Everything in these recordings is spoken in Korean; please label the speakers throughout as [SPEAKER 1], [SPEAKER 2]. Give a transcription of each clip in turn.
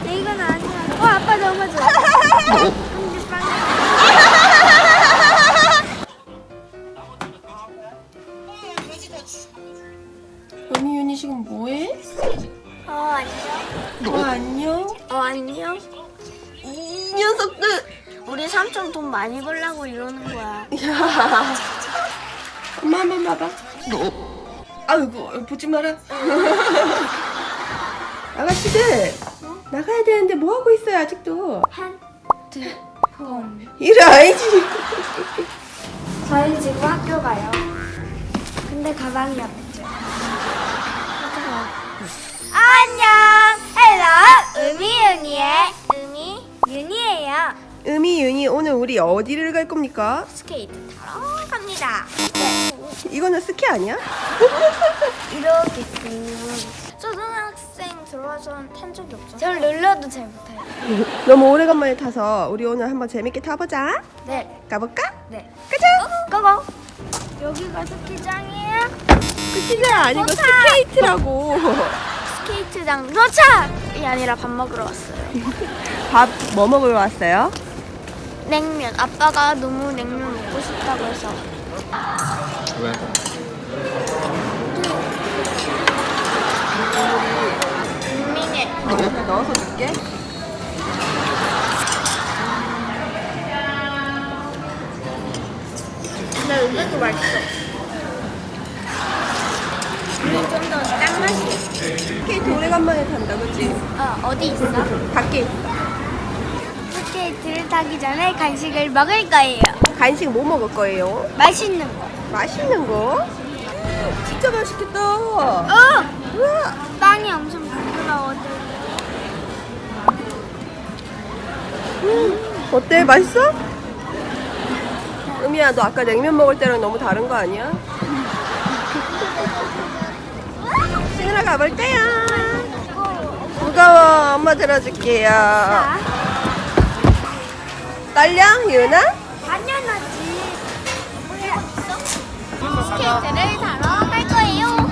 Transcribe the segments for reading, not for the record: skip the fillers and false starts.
[SPEAKER 1] 이건 아니야. 아빠 너무 좋아.
[SPEAKER 2] 은희 지금 뭐해?
[SPEAKER 1] 안녕.
[SPEAKER 2] 안녕?
[SPEAKER 1] 안녕.
[SPEAKER 2] 이 녀석들!
[SPEAKER 1] 우리 삼촌 돈 많이 벌라고 이러는 거야.
[SPEAKER 2] 야, 엄마 한번 봐봐. 아이고, 보지 마라. 아가씨들, 나가야 되는데 뭐 하고 있어요, 아직도?
[SPEAKER 1] 핸드폰.
[SPEAKER 2] 이래, 아니지.
[SPEAKER 1] 저희 지금 학교 가요. 근데 가방이 없죠. 안녕. 헬로. 은희의 윤이에요.
[SPEAKER 2] 은희, 오늘 우리 어디를 갈 겁니까?
[SPEAKER 1] 스케이트 타러 갑니다.
[SPEAKER 2] 이거는 스키 아니야?
[SPEAKER 1] 이렇게 초등학생 들어와서는 탄 적이 없어요. 전 룰러도 잘 못해요.
[SPEAKER 2] 너무 오래간만에 타서 우리 오늘 한번 재밌게 타보자.
[SPEAKER 1] 네.
[SPEAKER 2] 가볼까?
[SPEAKER 1] 네.
[SPEAKER 2] 가자!
[SPEAKER 1] 고고. 여기가 스키장이에요?
[SPEAKER 2] 스키장 아니고
[SPEAKER 1] 도착!
[SPEAKER 2] 스케이트라고.
[SPEAKER 1] 스케이트장 도착이 아니라 밥 먹으러 왔어요.
[SPEAKER 2] 밥 뭐 먹으러 왔어요?
[SPEAKER 1] 냉면. 아빠가 너무 냉면 먹고 싶다고 해서.
[SPEAKER 3] 왜?
[SPEAKER 1] 민민이.
[SPEAKER 2] 내가 넣어서 줄게.
[SPEAKER 1] 근데 이것도 맛있어. 이게 좀 더 짠맛이.
[SPEAKER 2] 스케이트 오래간만에 탄다, 그치?
[SPEAKER 1] 어디 있어?
[SPEAKER 2] 밖에
[SPEAKER 1] 스케이트를 타기 전에 간식을 먹을 거예요.
[SPEAKER 2] 간식 뭐 먹을 거예요?
[SPEAKER 1] 맛있는 거.
[SPEAKER 2] 맛있는 거? 진짜 맛있겠다. 우와.
[SPEAKER 1] 빵이 엄청 부드러워져.
[SPEAKER 2] 어때? 맛있어? 은미야, 너 아까 냉면 먹을 때랑 너무 다른 거 아니야? 신으러 가볼게요. 무거워. 엄마 들어줄게요.
[SPEAKER 1] 자,
[SPEAKER 2] 떨려? 유나?
[SPEAKER 1] 당연하지. 스케이트를 타러 갈 거예요.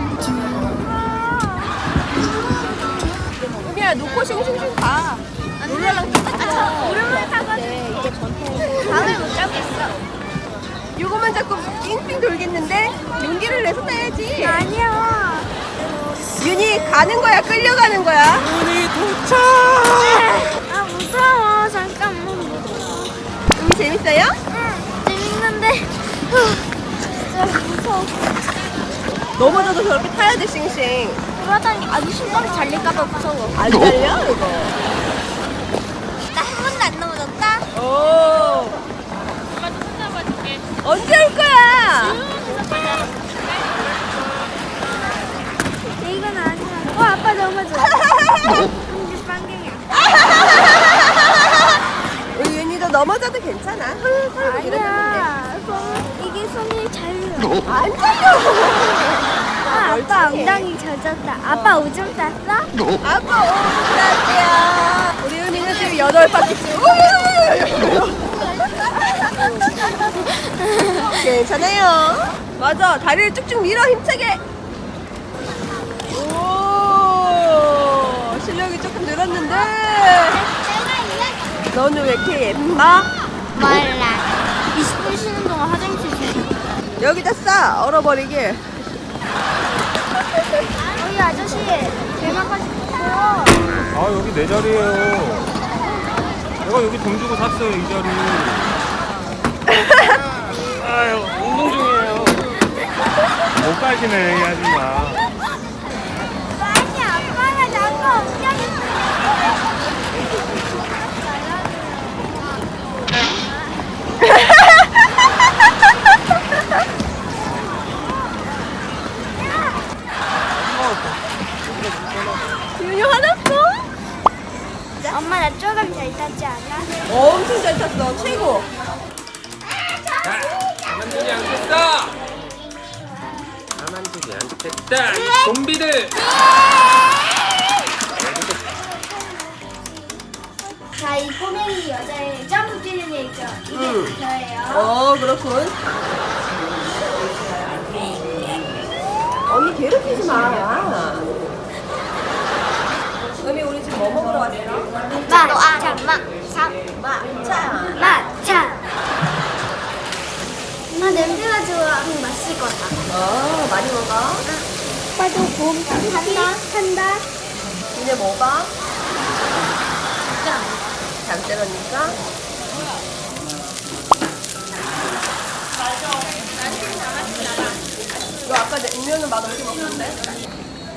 [SPEAKER 2] 은미야, 놓고 싱싱싱 가. 룰러랑 똑같아.
[SPEAKER 1] 오르막 타가지고 밤을 못 잡겠어.
[SPEAKER 2] 요거만 잡고 빙빙 돌겠는데 용기를 내서 타야지.
[SPEAKER 1] 아니야.
[SPEAKER 2] 윤이 가는 거야? 끌려가는 거야?
[SPEAKER 3] 은희 도착!
[SPEAKER 1] 아 무서워. 잠깐만 무서워.
[SPEAKER 2] 은미 재밌어요?
[SPEAKER 1] 응, 재밌는데 진짜 무서워.
[SPEAKER 2] 넘어져도 저렇게 타야 돼, 싱싱.
[SPEAKER 1] 그러다니 아주 신발이 잘릴까봐 무서워.
[SPEAKER 2] 안 잘려, 이거?
[SPEAKER 1] 나 한 번도 안 넘어졌다.
[SPEAKER 2] 오. 언제 올 거야?
[SPEAKER 1] 이건 아니야. 아빠 너무 좋아. 근데 빵갱이야.
[SPEAKER 2] 우리 윤이도 넘어져도 괜찮아. 훌훌 이러는데.
[SPEAKER 1] 아니야. 이게 손이 잘려.
[SPEAKER 2] 안 잘려.
[SPEAKER 1] 아빠
[SPEAKER 2] 멀쩡해.
[SPEAKER 1] 엉덩이 젖었다. 아빠 오줌 쌌어?
[SPEAKER 2] 아빠 오라야. 우리 윤이는 지금 8바퀴씩. 괜찮아요. 맞아. 다리를 쭉쭉 밀어 힘차게. 오. 실력이 조금 늘었는데. 너는 왜 이렇게 예뻐?
[SPEAKER 1] 몰라. 20분 쉬는 동안 화장실 좀.
[SPEAKER 2] 여기다 싸. 얼어버리게.
[SPEAKER 1] 여기 아저씨 대만까지 있어요.
[SPEAKER 3] 아, 여기 내 자리예요. 내가 여기 돈 주고 샀어요, 이 자리. 아유, 운동 중이에요. 못 가시네, 이 아줌마.
[SPEAKER 1] 아니 아빠가 자꾸 엉덩이
[SPEAKER 2] 윤이 화났어?
[SPEAKER 1] 엄마 나 조금 잘 탔지 않아?
[SPEAKER 2] 엄청 잘 탔어. 최고.
[SPEAKER 3] 가만두지 않겠다! 가만두지 않겠다! 이 좀비들!
[SPEAKER 1] 자, 이 꼬맹이 여자의 점프 뛰는 애 있죠? 이게 저예요.
[SPEAKER 2] 그렇군. 언니 괴롭히지 마. 은미 우리 지금 뭐 먹으러 왔어? 많이 먹어.
[SPEAKER 1] 오빠도 곰 한다.
[SPEAKER 2] 니네 먹어? 잠들었니까? 너 아까 내 우면은 맛없게 먹었는데?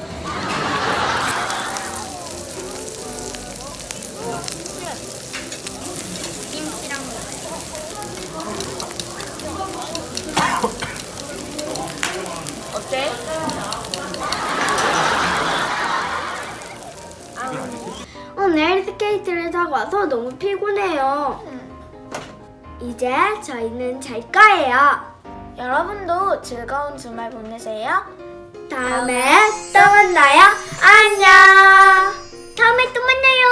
[SPEAKER 2] 어때?
[SPEAKER 1] 오늘 스케이트를 타고 와서 너무 피곤해요. 이제 저희는 잘 거예요. 여러분도 즐거운 주말 보내세요. 다음에 또 만나요. 안녕. 다음에 또 만나요.